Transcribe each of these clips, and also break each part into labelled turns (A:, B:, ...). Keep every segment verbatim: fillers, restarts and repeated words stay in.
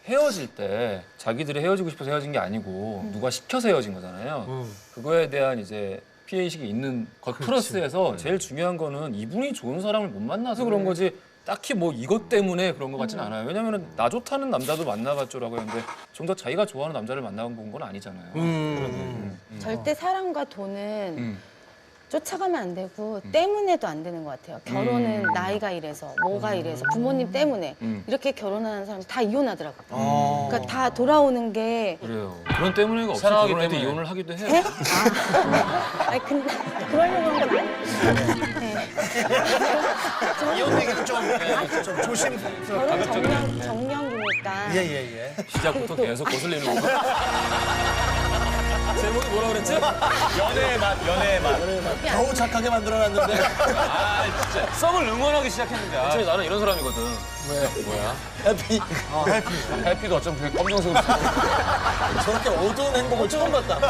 A: 헤어질 때 자기들이 헤어지고 싶어서 헤어진 게 아니고
B: 음.
A: 누가 시켜서 헤어진 거잖아요.
B: 음.
A: 그거에 대한 이제 피해 의식이 있는 것 플러스해서 제일 중요한 거는 이분이 좋은 사람을 못 만나서 그런 거지. 딱히 뭐 이것 때문에 그런 것 같진 않아요. 왜냐면은 나 좋다는 남자도 만나봤죠라고 했는데 좀 더 자기가 좋아하는 남자를 만나본 건 아니잖아요.
B: 음.
A: 음.
C: 절대 사랑과 돈은
A: 음.
C: 쫓아가면 안 되고 때문에도 안 되는 것 같아요. 결혼은
A: 음.
C: 나이가 이래서 뭐가 이래서 부모님 때문에
A: 음.
C: 이렇게 결혼하는 사람 다 이혼하더라고요.
B: 어.
C: 그러니까 다 돌아오는 게
A: 그래요. 그런 때문에가 없이
D: 사랑하기
A: 결혼해도
D: 때문에.
A: 이혼을 하기도 해요.
C: 에? 아, 아니 근데 그러려고 한 건 아니에요. 네.
B: 이혼 얘기는 좀, 예, 좀 조심스럽게.
C: 결혼 정령, 정령기니까.
B: 예예예.
A: 시작부터 계속 거슬리는 거. 제목이 뭐라 그랬지?
D: 연애의 맛, 연애의 맛.
B: 겨우 착하게 만들어놨는데.
D: 아, 진짜. 썸을 응원하기 시작했는데. 아,
A: 사실 나는 이런 사람이거든.
D: 왜? 뭐야?
B: 해피. 어, 해피.
D: 해피도 어쩜 되게 검정색으로 쓰고.
B: 저렇게 어두운 행복을 처음 봤다.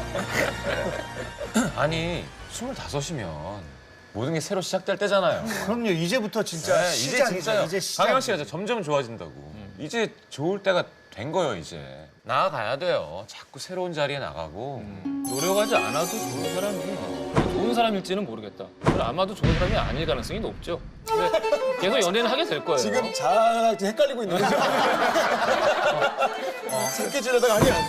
D: 아니, 스물다섯이면 모든 게 새로 시작될 때잖아요.
B: 그럼요. 이제부터 진짜
D: 네, 이제
B: 시작이죠.
D: 진짜요.
B: 이제 시작.
D: 강영 씨가 이제 점점 좋아진다고. 이제 좋을 때가 된 거예요, 이제. 나아가야 돼요. 자꾸 새로운 자리에 나가고.
A: 노력하지 않아도 좋은 사람이 좋은 사람일지는 모르겠다. 근데 아마도 좋은 사람이 아닐 가능성이 높죠. 근데 계속 연애는 하게 될 거예요.
B: 지금 잘 헷갈리고 있는 거죠? 어. 새끼질하다가 아니야.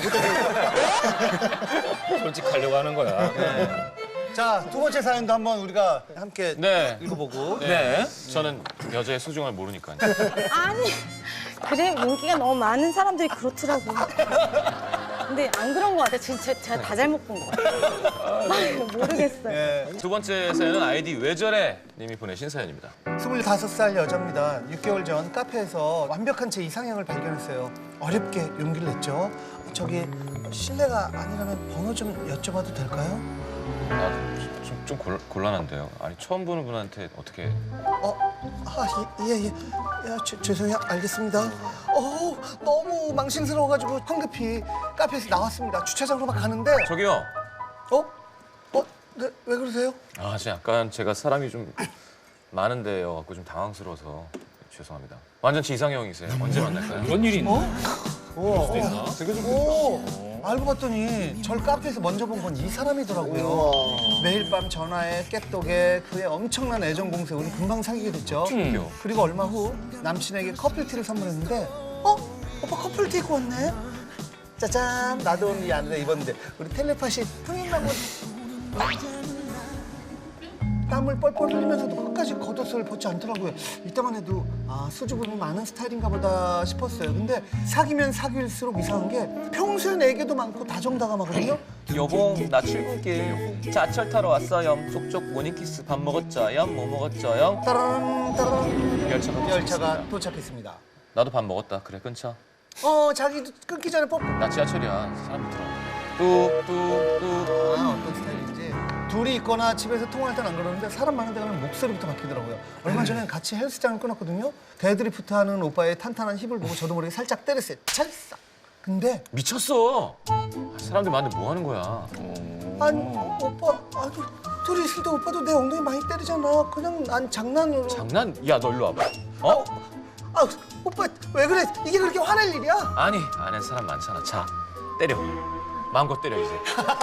A: 솔직하려고 하는 거야.
B: 자, 두 번째 사연도 한번 우리가 함께
D: 네.
B: 읽어보고.
A: 네.
D: 저는 여자의 소중함을 모르니까요.
C: 아니 그래 인기가 너무 많은 사람들이 그렇더라고. 근데 안 그런 것 같아. 진짜 제가 다 잘못 본 것 같아요. 모르겠어요.
B: 예.
D: 두 번째 사연은 아이디 왜 저래 님이 보내신 사연입니다.
B: 스물다섯 살 여자입니다. 육 개월 전 카페에서 완벽한 제 이상형을 발견했어요. 어렵게 용기를 냈죠. 저기 실례가 아니라면 번호 좀 여쭤봐도 될까요?
D: 아, 좀, 좀 곤, 곤란한데요. 아니, 처음 보는 분한테 어떻게.
B: 어, 아, 예, 예. 야, 죄, 죄송해요. 알겠습니다. 어, 너무 망신스러워가지고 황급히 카페에서 나왔습니다. 주차장으로 막 가는데,
D: 저기요.
B: 어? 어? 네, 왜 그러세요?
D: 아, 지금 약간 제가 사람이 좀 많은데요. 갖고 좀 당황스러워서 죄송합니다. 완전 제 이상형이세요. 언제 만날까요?
A: 이런 일이 있나?
B: 우와.
A: 있나? 되게 좀
B: 오, 알고 봤더니 절 카페에서 먼저 본 건 이 사람이더라고요. 매일 밤 전화에 깨똑에 그의 엄청난 애정 공세 우리 금방 사귀게 됐죠.
A: 음.
B: 그리고 얼마 후 남친에게 커플티를 선물했는데 어? 오빠 커플티 입고 왔네? 짜잔, 나도 오늘 이 안에 입었는데 우리 텔레파시 흥했나고 땀을 뻘뻘 흘리면서도 끝까지 겉옷을 벗지 않더라고요. 이때만 해도 아, 수줍음이 많은 스타일인가 보다 싶었어요. 근데 사귀면 사귈수록 이상한 게 평소에 내게도 많고 다정다감하거든요.
E: 여봉 나 출근길 자철 타러 왔어요. 족족 모닝키스 밥 먹었죠요? 뭐 먹었죠요?
B: 따라란 따라란
D: 열차가
B: 열차가
D: 도착했습니다.
B: 도착했습니다.
D: 나도 밥 먹었다. 그래, 끊자.
B: 어, 자기도 끊기 전에 뽀뽀.
D: 나 지하철이야. 사람 들어. 뚝뚝뚝.
B: 아, 어떤 스타일인지. 둘이 있거나 집에서 통화할 땐 안 그러는데 사람 많은 데 가면 목소리부터 바뀌더라고요. 얼마 전에 같이 헬스장을 끊었거든요. 데드리프트하는 오빠의 탄탄한 힙을 보고 저도 모르게 살짝 때렸어요. 찰싹. 근데
D: 미쳤어. 아, 사람들 많은데 뭐 하는 거야?
B: 아니 오빠, 아, 둘- 둘이 있을 때 오빠도 내 엉덩이 많이 때리잖아. 그냥 난 장난으로.
D: 장난? 야, 너 일로 와봐. 어?
B: 아, 오빠 왜 그래? 이게 그렇게 화낼 일이야?
D: 아니, 안에 사람 많잖아. 자, 때려. 마음껏 때려, 이제.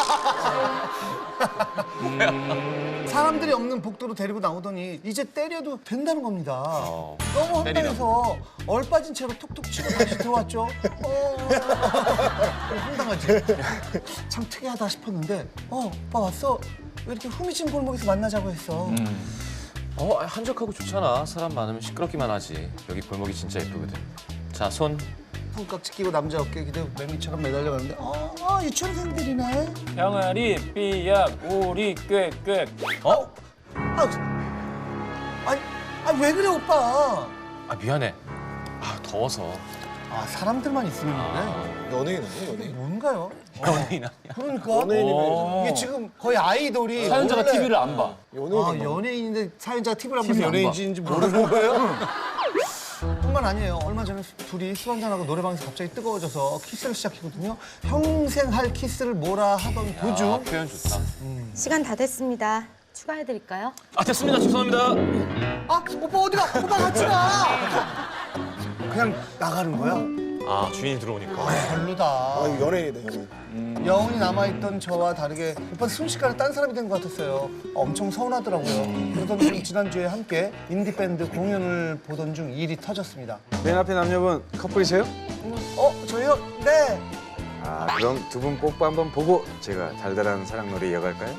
B: 사람들이 없는 복도로 데리고 나오더니 이제 때려도 된다는 겁니다.
D: 어,
B: 너무
D: 때리라고.
B: 황당해서 얼빠진 채로 툭툭 치고 다시 들어왔죠. 어, 황당하지. 참 특이하다 싶었는데 어, 오빠 왔어? 왜 이렇게 후미진 골목에서 만나자고 했어?
D: 어, 한적하고 좋잖아. 사람 많으면 시끄럽기만 하지. 여기 골목이 진짜 예쁘거든. 자, 손.
B: 손깍지 끼고 남자 어깨에 기대 매미처럼 매달려가는데 아, 아 유치원생들이네.
A: 병아리, 삐약, 오리, 꾀꾀.
D: 어?
B: 아, 아니, 아, 왜 그래 오빠?
D: 아, 미안해. 아, 더워서.
B: 아, 사람들만 있으면
D: 아.
B: 그래? 연예인 아니야, 연예인? 뭔가요?
D: 연예인 아니야.
B: 그러니까
A: 연예인이면
B: 이게 지금 거의 아이돌이
A: 사연자가
B: 원래-
A: 티비를 안 봐.
B: 아, 연예인인데 사연자가 티비를 안 봐서
A: 티비를 안 봐.
B: 연예인인지 모르는 거예요? 뿐만 아니에요. 얼마 전에 수- 둘이 술 한잔하고 노래방에서 갑자기 뜨거워져서 키스를 시작했거든요. 평생 할 키스를 뭐라 하던
D: 아,
B: 도중
D: 표현 좋다.
C: 시간 다 됐습니다. 추가해드릴까요?
D: 아, 됐습니다. 죄송합니다.
B: 아, 오빠 어디가? 오빠 같이 가! 그냥 나가는 거야.
D: 아 주인이 들어오니까.
B: 별로다.
F: 아, 이거 연예인이네, 연예인.
B: 여운이 남아있던 저와 다르게 오빠 순식간에 딴 사람이 된 것 같았어요. 엄청 서운하더라고요. 그러던 중 지난주에 함께 인디밴드 공연을 보던 중 일이 터졌습니다.
G: 맨 앞에 남녀분 커플이세요?
B: 어, 저요? 네.
G: 아 그럼 두 분 뽀뽀 한번 보고 제가 달달한 사랑놀이 이어갈까요?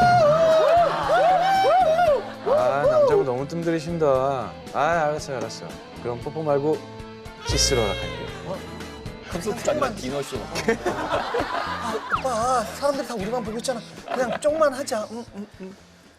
G: 아 남자분 너무 뜸들이신다. 아 알았어요 알았어. 그럼 뽀뽀 말고 키스로 할게요.
A: 콘서트 아니라 디너쇼.
B: 아, 오빠, 사람들이 다 우리만 보고 있잖아. 그냥 쪽만 하자. 응, 응, 응.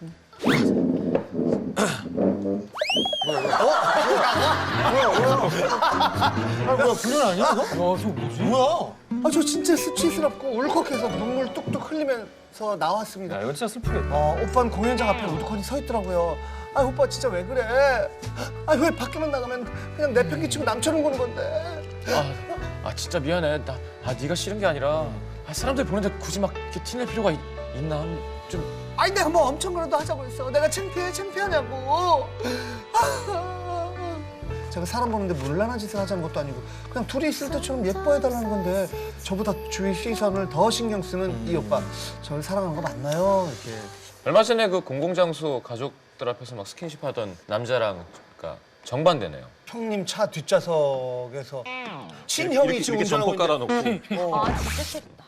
B: 뭐야, 뭐야? 어? 뭐야, 뭐야? 아, 뭐야, 불륜 아니야, 이거? 야, 저 뭐지? 뭐야? 아, 저 진짜 수치스럽고 울컥해서 눈물 뚝뚝 흘리면서 나왔습니다.
A: 야, 이거 진짜 슬프겠다.
B: 어, 오빠는 공연장 앞에 우두커니 서 있더라고요. 아, 오빠 진짜 왜 그래? 아, 왜 밖에만 나가면 그냥 내팽개치고 남처럼 구는 건데?
D: 아, 아 진짜 미안해. 나 아 네가 싫은 게 아니라 아, 사람들 보는데 굳이 막 이렇게 티낼 필요가 있, 있나? 좀
B: 아니 내가 뭐 엄청 그래도 하자고 했어. 내가 창피해 창피하냐고. 아, 제가 사람 보는데 물란한 짓을 하자는 것도 아니고 그냥 둘이 있을 때처럼 예뻐해달라는 건데 저보다 주위 시선을 더 신경 쓰는
D: 음.
B: 이 오빠 저를 사랑하는 거 맞나요? 이렇게.
D: 얼마 전에 그 공공장소 가족들 앞에서 막 스킨십 하던 남자랑 그러니까 정반대네요.
B: 형님 차 뒷좌석에서 친형이 지금 운전하고 있는데
D: 깔아놓고
C: 아 진짜 싫다.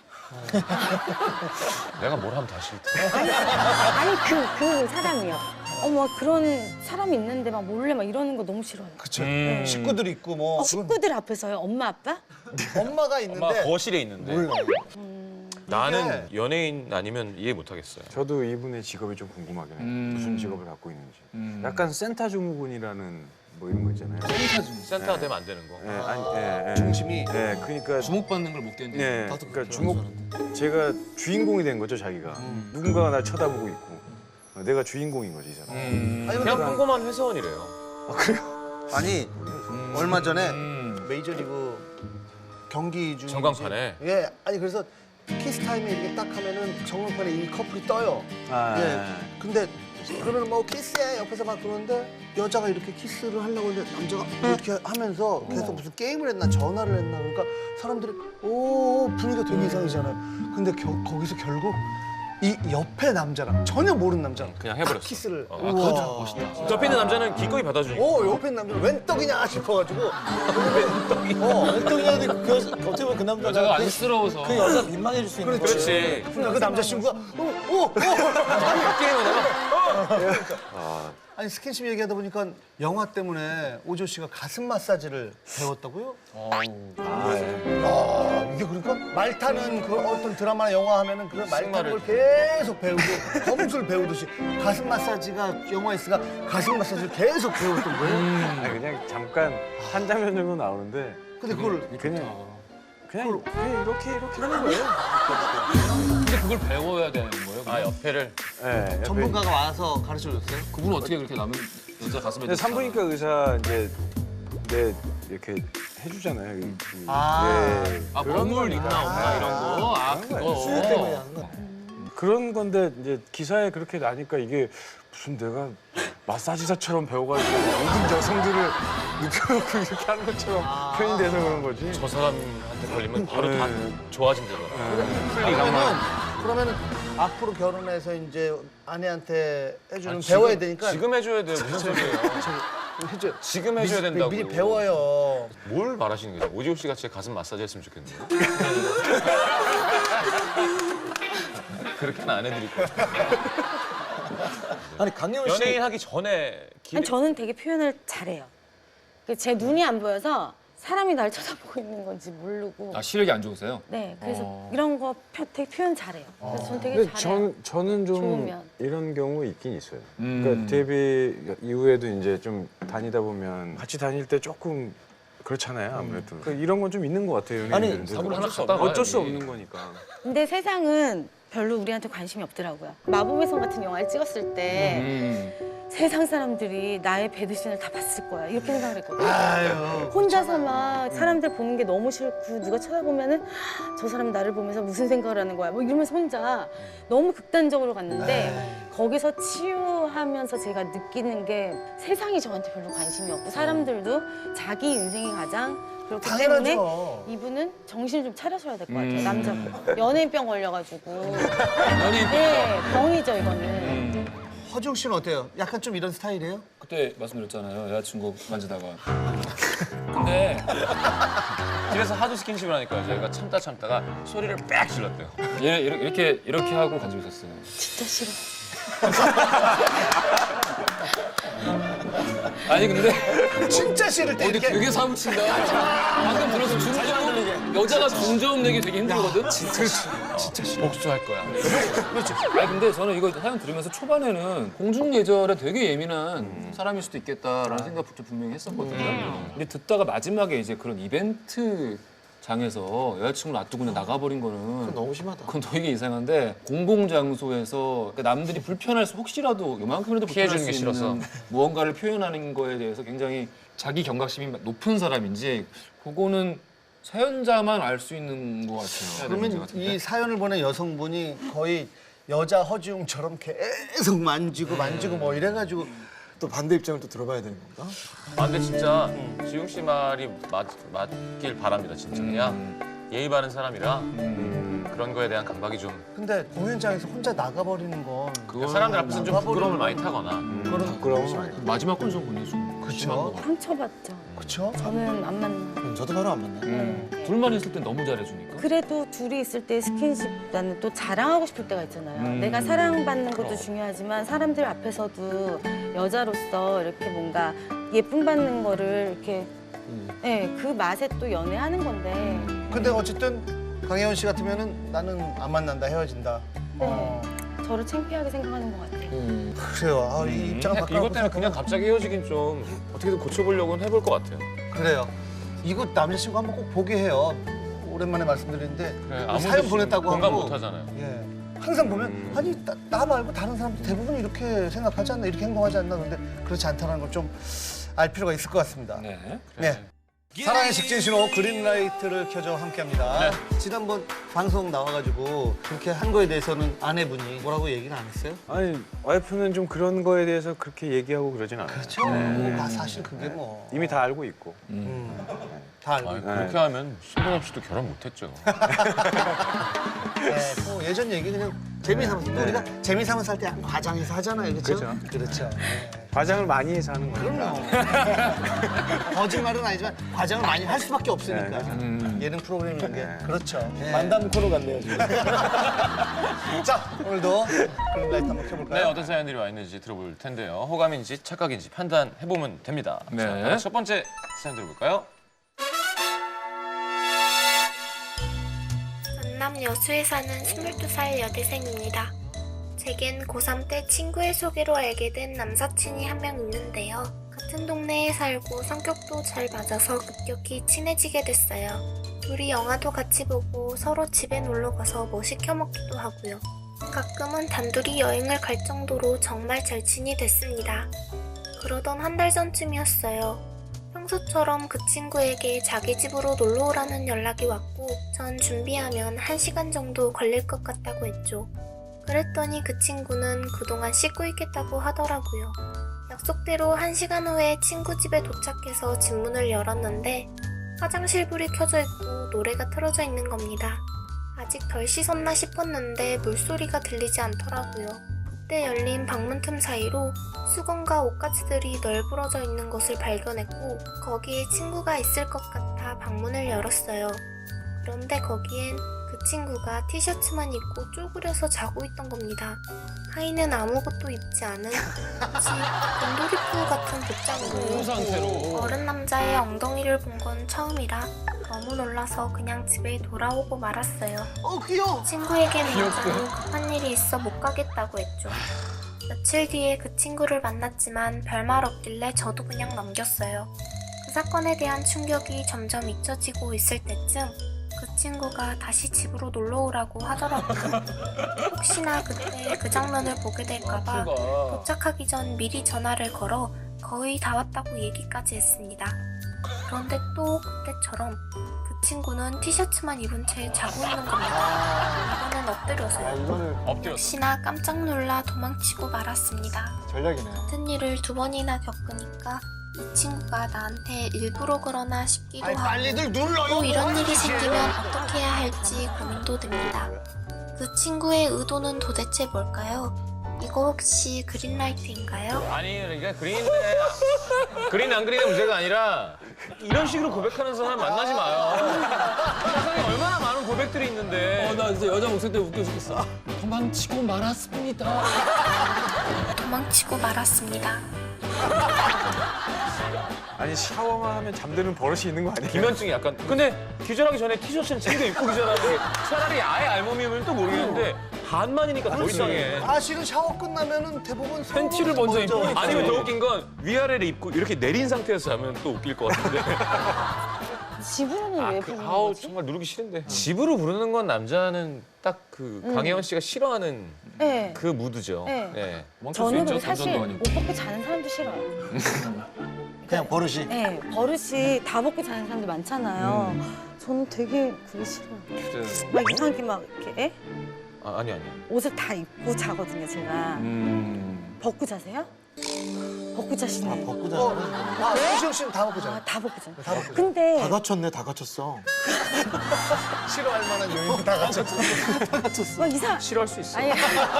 D: 내가 뭘 하면 다 싫대.
C: 아니, 아니 그, 그 사람이요. 어머 그런 사람이 있는데 막 몰래 막 이러는 거 너무 싫어요.
B: 그쵸.
D: 음.
B: 식구들 있고 뭐
C: 어, 식구들 앞에서요? 엄마 아빠?
B: 엄마가 있는데
D: 엄마 거실에 있는데
B: 몰라.
D: 나는 연예인 아니면 이해 못 하겠어요.
G: 저도 이분의 직업이 좀 궁금하긴 해요.
A: 음.
G: 무슨 직업을 갖고 있는지.
A: 음.
G: 약간 센터 증후군이라는 뭐 이런 거 있잖아요.
D: 센터가 되면 안 되는 거.
G: 예, 아니, 예, 예.
B: 중심이
G: 예, 그러니까
A: 주목받는 걸 못 견디는.
G: 예,
A: 나도
G: 그러니까
A: 그런
G: 주목
A: 줄 알았는데.
G: 제가 주인공이 된 거죠 자기가.
A: 음.
G: 누군가가 날 쳐다보고 있고 어, 내가 주인공인 거지 이 사람.
A: 음.
B: 아니,
D: 그냥
B: 근데
D: 평범한 회사원이래요.
B: 아니 얼마 전에
A: 음.
B: 메이저리그 경기 중
D: 전광판에?
B: 예 아니 그래서 키스 타임에 이렇게 딱 하면은 전광판에 이 커플이 떠요.
G: 아,
B: 예 근데 그러면 뭐 키스해 옆에서 막 그러는데 여자가 이렇게 키스를 하려고 했는데 남자가 이렇게 하면서 계속 무슨 게임을 했나 전화를 했나 그러니까 사람들이 오 분위기가 되게 이상이잖아요. 근데 겨, 거기서 결국 이 옆에 남자랑 전혀 모르는 남자랑
D: 그냥 해버렸어.
B: 딱 키스를.
D: 어, 아,
B: 우와.
D: 그거 멋있다. 옆에 있는 남자는 기꺼이 받아주니까.
B: 오 옆에 있는 남자 웬 떡이냐 싶어가지고 웬 떡이? 어, 웬 떡이냐는데 그 어떻게 보면 그 남자가
A: 여자가
B: 그-
A: 안쓰러워서.
B: 그 여자 민망해질 수 있는 거지.
D: 그렇지.
B: 그러니까 그 남자친구가 오, 오, 오.
G: 아,
B: 아니 스킨십 얘기하다 보니까 영화 때문에 오조 씨가 가슴 마사지를 배웠다고요?
G: 아, 예.
B: 야 이게 그러니까 말 타는 그 어떤 드라마나 영화 하면은 그 말 타는 걸 계속 배우고 검술 배우듯이 가슴 마사지가 영화에서가 가슴 마사지를 계속 배웠던 거예요?
G: 아니, 그냥 잠깐 한 장면 정도 나오는데
B: 근데 그걸
G: 그냥 그냥, 그냥 이렇게 이렇게 하는 거예요.
A: 근데 그걸 배워야 되는 거예요?
D: 아 옆에를.
G: 예, 옆에
B: 전문가가 와서 가르쳐줬어요?
A: 그분 어떻게 그렇게 남은 여자 가슴에
G: 근데 산부인과 의사 이제 내 이렇게 해주잖아요. 그,
B: 아.
G: 예,
A: 아
G: 그런
A: 버물 있나
G: 거니까.
A: 없나 이런 거. 아
G: 그런 거예요.
B: 수유 때문에
A: 그거.
B: 하는 거.
G: 그런 건데 이제 기사에 그렇게 나니까 이게 무슨 내가 마사지사처럼 배워가지고 모든 여성들을 눕혀놓고 이렇게 하는 것처럼 표현이 돼서 그런 거지.
D: 저 사람한테 걸리면 바로 다
G: 네.
D: 좋아진다더라.
B: 그러면은 그러면은 앞으로 결혼해서 이제 아내한테 해주는
D: 아니,
B: 배워야
D: 지금-
B: 되니까
D: 지금 해줘야 돼요. 무슨 소리예요?
B: 해줘.
D: 지금 해줘야
B: 미리-
D: 된다고.
B: 미리 배워요.
D: 뭘 말하시는 거죠? 오지호 씨 같이 가슴 마사지 했으면 좋겠네요. 그렇게는 안 해드릴 거예요.
F: 아니, 강예원 씨.
D: 연예인 하기 전에 기...
C: 아니 저는 되게 표현을 잘해요. 그 제 눈이 안 보여서 사람이 날 쳐다보고 있는 건지 모르고.
A: 아 시력이 안 좋으세요?
C: 네, 그래서
A: 어.
C: 이런 거 표, 되게 표현 잘해요. 그래서 전 되게
G: 근데
C: 잘해요.
G: 전, 저는 좀
C: 좋으면.
G: 이런 경우 있긴 있어요.
A: 음.
G: 그러니까 데뷔 이후에도 이제 좀 다니다 보면 같이 다닐 때 조금 그렇잖아요, 아무래도. 그 이런 건 좀 있는 것 같아요,
F: 아니,
G: 연예인들은.
A: 사고를 하나
D: 어쩔 수
A: 갖다가
G: 어쩔 수
A: 해야지.
G: 없는 거니까.
C: 근데 세상은 별로 우리한테 관심이 없더라고요. 마법의 성 같은 영화를 찍었을 때
A: 음.
C: 세상 사람들이 나의 배드신을 다 봤을 거야. 이렇게 생각을 했거든요.
B: 아유.
C: 혼자서 막 사람들 보는 게 너무 싫고 누가 쳐다보면은 저 사람 나를 보면서 무슨 생각을 하는 거야. 뭐 이러면서 혼자 너무 극단적으로 갔는데 거기서 치유하면서 제가 느끼는 게 세상이 저한테 별로 관심이 없고 사람들도 자기 인생이 가장 그렇기 때문에
B: 당연하죠.
C: 이분은 정신을 좀 차려셔야 될 것 같아요.
A: 음.
C: 남자분. 연예인병 걸려가지고.
A: 연예인
C: 네, 병이죠 이거는.
A: 음,
B: 허지웅 씨는 어때요? 약간 좀 이런 스타일이에요?
A: 그때 말씀드렸잖아요. 여자친구 만지다가. 근데
D: 집에서 하도 스킨십을 하니까 저희가 참다 참다가 소리를 빽 질렀대요.
A: 얘 이렇게 이렇게, 이렇게 하고 가지고 있었어요.
C: 진짜 싫어.
A: 아니 근데
B: 진짜 싫을 때
A: 어디
B: 이렇게
A: 되게 사무친다. 방금 들어서 중저음 여자가 중저음 내기 되게 힘들거든. 진짜
D: 복수할 거야.
A: 그렇죠. 아니 근데 저는 이거 사연 들으면서 초반에는 공중 예절에 되게 예민한 사람일 수도 있겠다라는 생각부터 분명히 했었거든요. 근데 듣다가 마지막에 이제 그런 이벤트 장에서 여자친구를 놔두고 그냥 나가버린 거는
F: 너무 심하다.
A: 그건 되게 이상한데 공공 장소에서 그러니까 남들이 불편할 수 혹시라도 요만큼이라도 불편할
D: 피해주는
A: 수
D: 게
A: 있는
D: 싫어서.
A: 무언가를 표현하는 거에 대해서 굉장히 자기 경각심이 높은 사람인지 그거는 사연자만 알 수 있는 것 같아요. 문제
B: 그러면
A: 같은데.
B: 이 사연을 보낸 여성분이 거의 여자 허지웅처럼 계속 만지고 만지고 뭐 이래가지고
F: 또 반대 입장을 또 들어봐야 되는 건가?
D: 아 근데 진짜 지웅 씨 말이 맞, 맞길 바랍니다 진짜. 그냥 예의 바른 사람이라 그런 거에 대한 감각이 좀
B: 근데 공연장에서 혼자 나가버리는 건
D: 그러니까 사람들 앞에서는 좀 부끄러움을 많이 타거나
B: 그런
F: 부끄러워.
A: 마지막 건 좀 보내 좀
B: 그쵸.
A: 심한 것 같아요.
C: 상처받죠.
B: 그쵸?
C: 저는 안 만나.
F: 음, 저도 바로 안 만나요.
C: 네.
A: 둘만 있을 땐 너무 잘해주니까.
C: 그래도 둘이 있을 때 스킨십 나는 또 자랑하고 싶을 때가 있잖아요.
A: 음.
C: 내가 사랑받는 것도
A: 그럼.
C: 중요하지만 사람들 앞에서도 여자로서 이렇게 뭔가 예쁨 받는 거를 이렇게 네, 그 맛에 또 연애하는 건데
B: 근데 어쨌든 강혜원 씨 같으면은 나는 안 만난다 헤어진다. 어,
C: 저를 창피하게 생각하는 것 같아요.
B: 그래요. 아, 이 입장을
D: 그냥
B: 바꿔.
D: 이것 때문에 그냥 갑자기 헤어지긴 좀 어떻게든 고쳐보려고는 해볼 것 같아요.
B: 그래요. 이거 남자친구 한번 꼭 보게 해요. 오랜만에 말씀드리는데
D: 그래,
B: 뭐
D: 아무도
B: 사연 보냈다고
D: 공감
B: 하고
D: 못 하잖아요.
B: 예. 항상 보면 아니 나, 나 말고 다른 사람들 대부분 이렇게 생각하지 않나 이렇게 행동하지 않나 근데 그렇지 않다는 걸 좀 알 필요가 있을 것 같습니다.
A: 네.
B: 네. 사랑의 직진 신호 그린라이트를 켜줘 함께합니다.
D: 네.
B: 지난번 방송 나와가지고 그렇게 한 거에 대해서는 아내분이 뭐라고 얘기는 안 했어요?
G: 아니 와이프는 좀 그런 거에 대해서 그렇게 얘기하고 그러진 않아요.
B: 그렇죠. 아, 사실 그게 뭐
G: 이미 다 알고 있고.
B: 음, 다 알고
D: 아니,
B: 있고.
D: 그렇게 하면 신동 없이도 결혼 못했죠.
B: 네, 뭐 예전 얘기 그냥 재미삼아서 또 우리가 재미삼아서 할 때 과장해서 하잖아요, 그렇죠?
G: 그렇죠.
B: 그렇죠. 네.
G: 과장을 많이 해서 하는 거니까.
B: 그럼요. 거짓말은 아니지만 과장을 많이 할 수밖에 없으니까.
A: 음.
B: 예능 프로그램이라는 게 그렇죠. 네.
F: 만담 코너 같네요, 지금.
B: 자, 오늘도 그린라이트 한번 켜볼까요?
D: 네, 어떤 사연들이 와 있는지 들어볼 텐데요. 호감인지 착각인지 판단해보면 됩니다.
A: 네.
D: 자, 바로 첫 번째 사연 들어볼까요?
H: 전남 여수에 사는 스물두 살 여대생입니다. 제겐 고삼 때 친구의 소개로 알게 된 남사친이 한 명 있는데요. 같은 동네에 살고 성격도 잘 맞아서 급격히 친해지게 됐어요. 둘이 영화도 같이 보고 서로 집에 놀러 가서 뭐 시켜 먹기도 하고요. 가끔은 단둘이 여행을 갈 정도로 정말 절친이 됐습니다. 그러던 한 달 전쯤이었어요. 평소처럼 그 친구에게 자기 집으로 놀러 오라는 연락이 왔고 전 준비하면 한 시간 정도 걸릴 것 같다고 했죠. 그랬더니 그 친구는 그동안 씻고 있겠다고 하더라고요. 약속대로 한 시간 후에 친구 집에 도착해서 집 문을 열었는데 화장실 불이 켜져 있고 노래가 틀어져 있는 겁니다. 아직 덜 씻었나 싶었는데 물소리가 들리지 않더라고요. 그때 열린 방문 틈 사이로 수건과 옷가지들이 널브러져 있는 것을 발견했고 거기에 친구가 있을 것 같아 방문을 열었어요. 그런데 거기엔 그 친구가 티셔츠만 입고 쪼그려서 자고 있던 겁니다. 하의는 아무것도 입지 않은 마치 곰돌이푸 같은 복장으로
A: 상태로.
H: 어른 남자의 엉덩이를 본 건 처음이라 너무 놀라서 그냥 집에 돌아오고 말았어요.
B: 어, 귀여워.
H: 친구에게는 여자로 급한 일이 있어 못 가겠다고 했죠. 며칠 뒤에 그 친구를 만났지만 별말 없길래 저도 그냥 넘겼어요. 그 사건에 대한 충격이 점점 잊혀지고 있을 때쯤 그 친구가 다시 집으로 놀러 오라고 하더라고요. 혹시나 그때 그 장면을 보게 될까봐 도착하기 전 미리 전화를 걸어 거의 다 왔다고 얘기까지 했습니다. 그런데 또 그때처럼 그 친구는 티셔츠만 입은 채 자고 있는 겁니다. 이번엔 엎드려서요.
F: 이거는
D: 엎드렸어.
H: 역시나 깜짝 놀라 도망치고 말았습니다.
F: 전략이네.
H: 같은 일을 두 번이나 겪으니까 이 친구가 나한테 일부러 그러나 싶기도
B: 아이,
H: 하고
B: 빨리들 눌러요.
H: 또 이런 일이
B: 뭐하는 짓이에요?
H: 생기면 어떻게 해야 할지 고민도 됩니다. 그 친구의 의도는 도대체 뭘까요? 이거 혹시 그린라이트인가요?
D: 아니 그러니까 그린데 그린 안 그린의 문제가 아니라 이런 식으로 고백하는 사람 만나지 마요. 세상에 얼마나 많은 고백들이 있는데.
A: 어, 나 진짜 여자 목소리 때문에 웃겨 죽겠어. 도망치고 말았습니다.
H: 도망치고 말았습니다.
G: 아니 샤워만 하면 잠드는 버릇이 있는 거 아니에요?
D: 기면증이 약간. 근데 기절하기 전에 티셔츠는 챙겨 입고 기절하는 게 차라리 아예 알몸이면 또 모르겠는데 반만이니까 더 이상해.
B: 사실은 샤워 끝나면은 대부분
A: 팬티를 먼저 입고
D: 아니면 더 웃긴 건 위아래를 입고 이렇게 내린 상태에서 하면 또 웃길 것 같은데.
C: 집으로는 왜
D: 그,
C: 부르는
D: 아우
C: 거지?
D: 정말 누르기 싫은데. 집으로 부르는 건 남자는 딱 그 강혜원 씨가 싫어하는
C: 네.
D: 그 무드죠.
C: 네.
D: 네.
C: 저는
A: 도
C: 그리고 사실
A: 아니고.
C: 옷 벗고 자는 사람도 싫어요.
F: 그냥 버릇이.
C: 네, 버릇이 다 벗고 자는 사람들 많잖아요.
A: 음.
C: 저는 되게 그게 싫어요.
A: 진짜.
C: 막 이상하게 막 이렇게 에?
D: 아, 아니 아니.
C: 옷을 다 입고 자거든요, 제가.
A: 음.
C: 벗고 자세요? 벗고 자시네.
F: 벗고
B: 어,
F: 자.
B: 아, 수정 씨는 다 먹고
C: 아,
B: 잖아.
C: 다 벗고 자.
B: 다 벗고 자.
C: 근데
F: 다 갖췄네, 다 갖췄어.
B: 싫어할 만한 요인 다 갖췄어.
C: 막 이상
D: 싫어할 수 있어.
C: 아니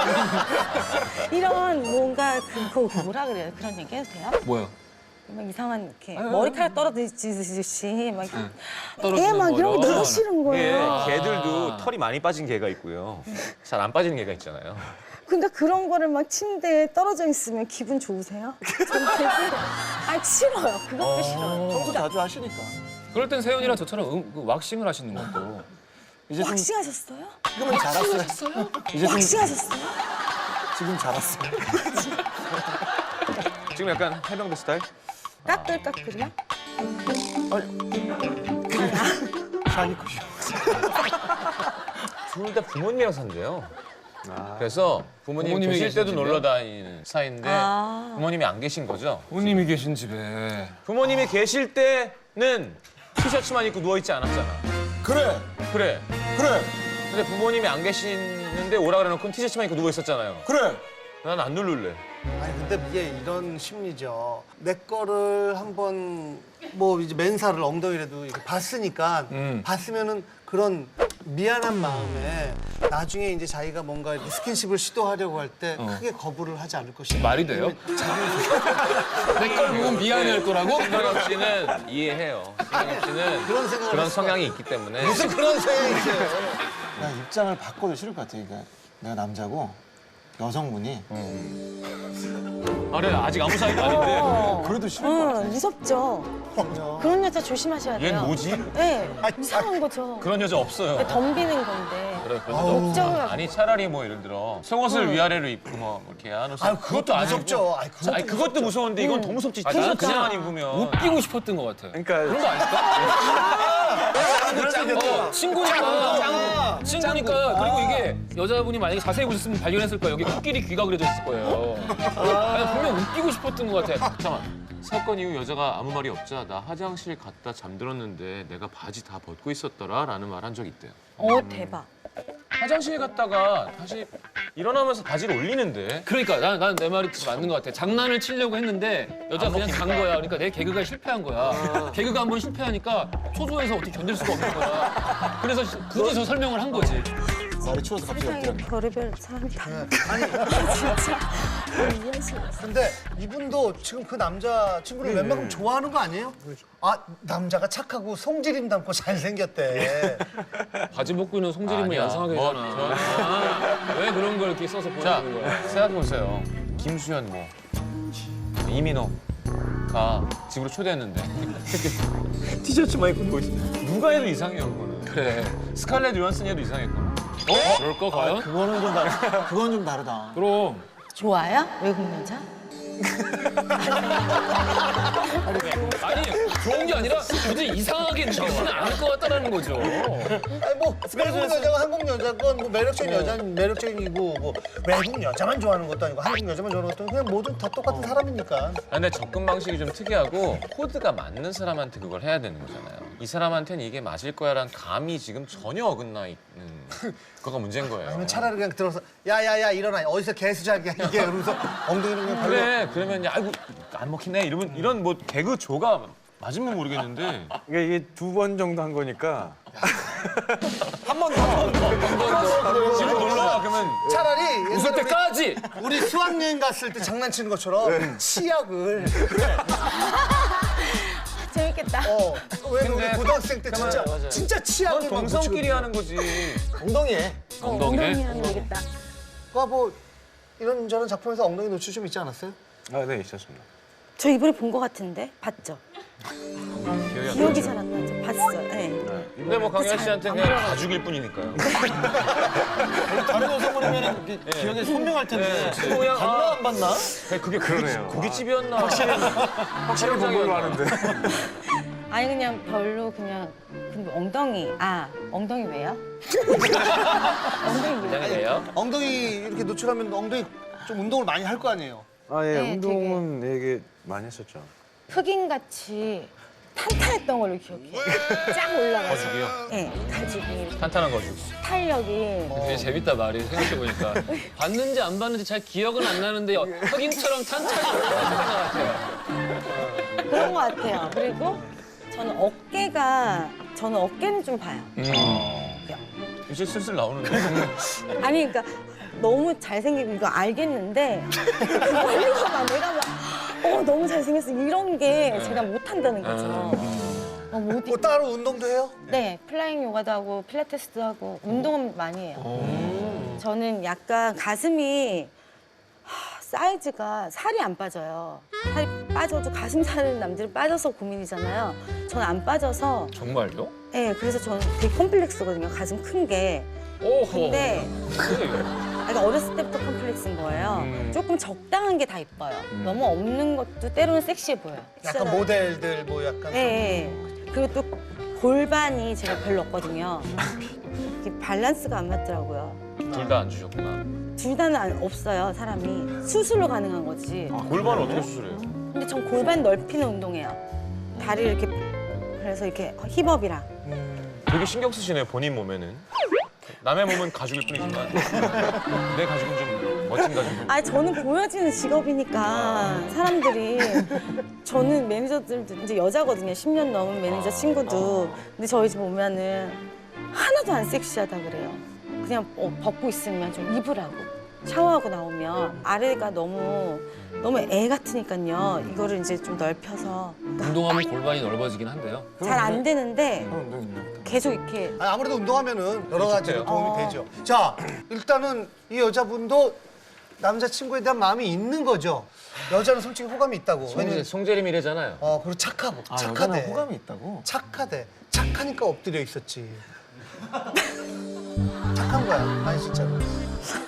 C: 이런 뭔가 그, 그 뭐라 그래요? 그런 얘기 해도 돼요?
A: 뭐야?
C: 막 이상한 이렇게 머리카락 떨어지듯이 막
A: 떨어지는
C: 애막 이런 거
A: 거요?
C: 너무 싫은
D: 예,
C: 거예요.
D: 개들도 털이 많이 빠진 개가 있고요. 잘 안 빠지는 개가 있잖아요.
C: 근데 그런 거를 막 침대에 떨어져 있으면 기분 좋으세요? 전 되게 아 싫어요. 그것도 싫어요.
F: 청소 자주 하시니까.
A: 그럴 땐 세연이랑 저처럼 음, 그 왁싱을 하시는 것도.
F: 이제 좀
C: 왁싱 하셨어요?
F: 지금은 자랐어요. 이제 좀
C: 왁싱 하셨어요?
F: 지금 자랐어요.
D: 지금 약간 해병대 스타일?
C: 까끌까끌이요?
F: 샤니쿠시.
D: 둘 다 부모님이랑 산대요. 그래서 부모님
A: 부모님이
D: 계실
A: 계신
D: 때도
A: 집이요?
D: 놀러 다니는 사이인데
C: 아.
D: 부모님이 안 계신 거죠.
A: 부모님이 계신 집에.
D: 부모님이 계실 때는 티셔츠만 입고 누워 있지 않았잖아.
F: 그래,
D: 그래.
F: 그래,
D: 근데 부모님이 안 계시는데 오라 그래놓고 티셔츠만 입고 누워 있었잖아요.
F: 그래.
D: 난 안 누를래.
B: 아니 근데 이게 이런 심리죠. 내 거를 한번 뭐 이제 맨살을 엉덩이라도 이렇게 봤으니까
A: 음.
B: 봤으면은 그런 미안한 마음에 나중에 이제 자기가 뭔가 이렇게 스킨십을 시도하려고 할 때 크게 거부를 하지 않을 것이다.
A: 말이 돼요? 내 걸 보면 미안해할 거라고?
D: 신동엽 씨는 이해해요. 신동엽 씨는
B: 그런 생각을
D: 그런
B: 했을
D: 성향이 있기 때문에.
B: 무슨 그런 생각이 있어요.
F: 나 입장을 바꿔도 싫을 것 같아. 그러니까 내가 남자고 여성분이
D: 아, 그래 아직 아무 사이도 아닌데.
C: 어.
F: 그래도 싫을 것 같아.
C: 응, 무섭죠. 그런 여자 조심하셔야 돼요.
D: 얘는 뭐지?
C: 네, 이상한 거죠.
D: 그런 여자 없어요.
C: 덤비는 건데.
D: 그래, 그런 여자 없어.
C: 목적을
D: 아니 차라리 뭐 예를 들어 속옷을 위아래로 입고 뭐 이렇게 안 옷을.
B: 아 그것도 무섭죠. 아니, 그것도
D: 아니 그것도 무서운데 이건 더 무섭지.
A: 아, 나는
D: 티셔츠만
A: 그냥
D: 입으면.
A: 웃기고 싶었던 것 같아.
G: 그러니까
A: 그런 거 아닐까? 어, 친구니까. 친구니까. 그리고 이게 여자분이 만약에 자세히 보셨으면 발견했을 거예요. 여기 코끼리 귀가 그려져 있을 거예요. 아니, 분명 웃기고 싶었던 것 같아.
D: 잠깐만. 사건 이후 여자가 아무 말이 없자 나 화장실 갔다 잠들었는데 내가 바지 다 벗고 있었더라 라는 말 한 적 있대요.
C: 어, 대박.
D: 화장실 갔다가 다시 일어나면서 바지를 올리는데
A: 그러니까 난 난 내 말이 맞는 것 같아. 장난을 치려고 했는데 여자 그냥 간 거야. 그러니까 내 개그가 실패한 거야. 개그가 한 번 실패하니까 초조해서 어떻게 견딜 수가 없는 거야. 그래서 굳이 저 설명을 한 거지.
F: 말이 추워서 갑자기
C: 세상에
F: 엎드려.
C: 별의별 사람이 다.
B: 아니
C: 진짜. 이해할 수가 없어.
B: 근데 이분도 지금 그 남자 친구를 웬만큼 좋아하는 거 아니에요? 아 남자가 착하고 송지림 닮고 잘생겼대.
A: 바지 벗고 있는 송지림을
D: 아니야.
A: 양상하게
D: 뭐,
A: 하잖아. 아, 왜 그런 걸 이렇게 써서
D: 자
A: 보여주는 거야?
D: 생각해보세요. 김수현 뭐 이민호가 집으로 초대했는데 티셔츠만 입고 누워 있어. 누가 해도 이상해요 그거는.
A: 그래.
D: 스칼렛 요한슨이 해도 이상했고.
A: 어? 그럴 거 과연?
F: 그거는 좀 다르. 그건 좀 다르다.
A: 그럼.
C: 좋아요? 외국 여자?
A: 아니 좋은 게 아니라 굳이 이상하게 느끼지는 않을 것 같다라는 거죠.
B: 아니 뭐 외국 여자가 한국 여자건 뭐 매력적인 여자는 매력적이고 뭐 외국 여자만 좋아하는 것도 아니고 한국 여자만 좋아하는 것도 아니고 그냥 모든 다 똑같은 사람이니까.
D: 근데 접근 방식이 좀 특이하고 코드가 맞는 사람한테 그걸 해야 되는 거잖아요. 이 사람한테는 이게 맞을 거야라는 감이 지금 전혀 어긋나 있는 그거가 문제인 거예요.
B: 아니면 차라리 그냥 들어서 야야야 일어나 어디서 개수작이야 이게 이러면서 엉덩이를 그냥 발로
D: 그래 그러면 야 아이고 안 먹히네 이러면 이런 뭐 개그 조가 맞으면 모르겠는데
G: 그러니까 이게 두 번 정도 한 거니까
D: 한 번 더 지금 놀라 그러면
B: 차라리
A: 웃을
B: 옛날에
A: 때까지.
B: 우리, 우리 수학여행 갔을 때 장난치는 것처럼 치약을
C: 재밌겠다.
B: 어, 왜 우리
D: 근데
B: 고등학생 때 진짜
D: 맞아요.
B: 진짜 치약을
D: 그건 동성끼리 하는 거지.
B: 엉덩이에
C: 어,
A: 엉덩이에?
C: 엉덩이 하면 되겠다.
B: 그거 뭐 이런저런 작품에서 엉덩이 노출 좀 있지 않았어요?
G: 아, 네 있었습니다.
C: 저 이번에 본 것 같은데 봤죠?
D: 기억이 안
C: 기억이
D: 나죠.
C: 잘 안 나죠. 봤어요. 네.
D: 근데 뭐 강현 씨한테 그냥 가죽일 뿐이니까요.
F: 다른 여성분이면 기억이 선명할 텐데.
D: 그냥
F: 봤나 안 봤나?
D: 그게
G: 그러네요.
D: 고깃집이었나?
G: 확실히 본 걸로 아는데.
C: 아니 그냥 별로 그냥 근데 엉덩이 아 엉덩이 왜요? 엉덩이 왜?
D: 왜요?
B: 엉덩이 이렇게 노출하면 엉덩이 좀 운동을 많이 할 거 아니에요?
G: 아, 예,
C: 네,
G: 운동은 되게 많이 했었죠.
C: 흑인같이 탄탄했던 걸로 기억해요. 쫙 올라가서.
D: 거죽이요?
C: 네, 가죽이
D: 탄탄한 거죽.
C: 탄력이
A: 되게 재밌다 말이 생각해보니까. 봤는지 안 봤는지 잘 기억은 안 나는데 흑인처럼 탄탄히 올라가는 것 같아요.
C: 그런 것 같아요. 그리고 저는 어깨가 저는 어깨는 좀 봐요.
D: 이제 슬슬 나오는데.
C: 아니 그러니까 너무 잘생기고 이거 알겠는데 그거 하려고 막 내가 막 어, 너무 잘생겼어 이런 게 제가 못한다는 거죠. 어, 못
B: 뭐 따로 운동도 해요?
C: 네, 플라잉 요가도 하고 필라테스도 하고 운동은 많이 해요. 저는 약간 가슴이 하, 사이즈가 살이 안 빠져요. 살이 빠져도 가슴 살은 남들은 빠져서 고민이잖아요. 저는 안 빠져서
A: 정말요?
C: 네, 그래서 저는 되게 컴플렉스거든요. 가슴 큰 게.
A: 오호.
C: 근데 그러니까 어렸을 때부터 컴플렉스인 거예요.
A: 음.
C: 조금 적당한 게 다 이뻐요. 너무 없는 것도 때로는 섹시해 보여요.
B: 약간 모델들 뭐 약간
C: 예, 예. 그리고 또 골반이 제가 별로 없거든요. 이게 밸런스가 안 맞더라고요.
D: 둘 다 안 주셨구나.
C: 둘 다는 안- 없어요, 사람이. 수술로 가능한 거지.
D: 골반을 어떻게 수술해요?
C: 근데 전 골반 넓히는 운동해요. 다리 이렇게 그래서 이렇게 힙업이랑.
D: 되게 신경 쓰시네요, 본인 몸에는. 남의 몸은 가죽일 뿐이지만 내 가죽은 좀 멋진 가죽.
C: 아니 저는 보여지는 직업이니까 사람들이 저는 매니저들도 이제 여자거든요. 십 년 넘은 매니저 친구도. 근데 저희 집 오면은 하나도 안 섹시하다 그래요. 그냥 어, 벗고 있으면 좀 입으라고. 샤워하고 나오면 아래가 너무 너무 애 같으니까요. 이거를 이제 좀 넓혀서
A: 운동하면 골반이 넓어지긴 한데요.
C: 잘 안 되는데
F: 그런 운동 있나?
C: 계속 이렇게
B: 아니, 아무래도 운동하면은 여러 가지로
D: 좋대요.
B: 도움이
C: 어.
B: 되죠. 자, 일단은 이 여자분도 남자친구에 대한 마음이 있는 거죠. 여자는 솔직히 호감이 있다고.
D: 송재,
B: 왜냐면
D: 송재림 이래잖아요.
B: 어, 그리고 착하고
F: 아,
B: 착하대.
F: 여자는 호감이 있다고?
B: 착하대. 착하니까 엎드려 있었지. 착한 거야. 아니 진짜로.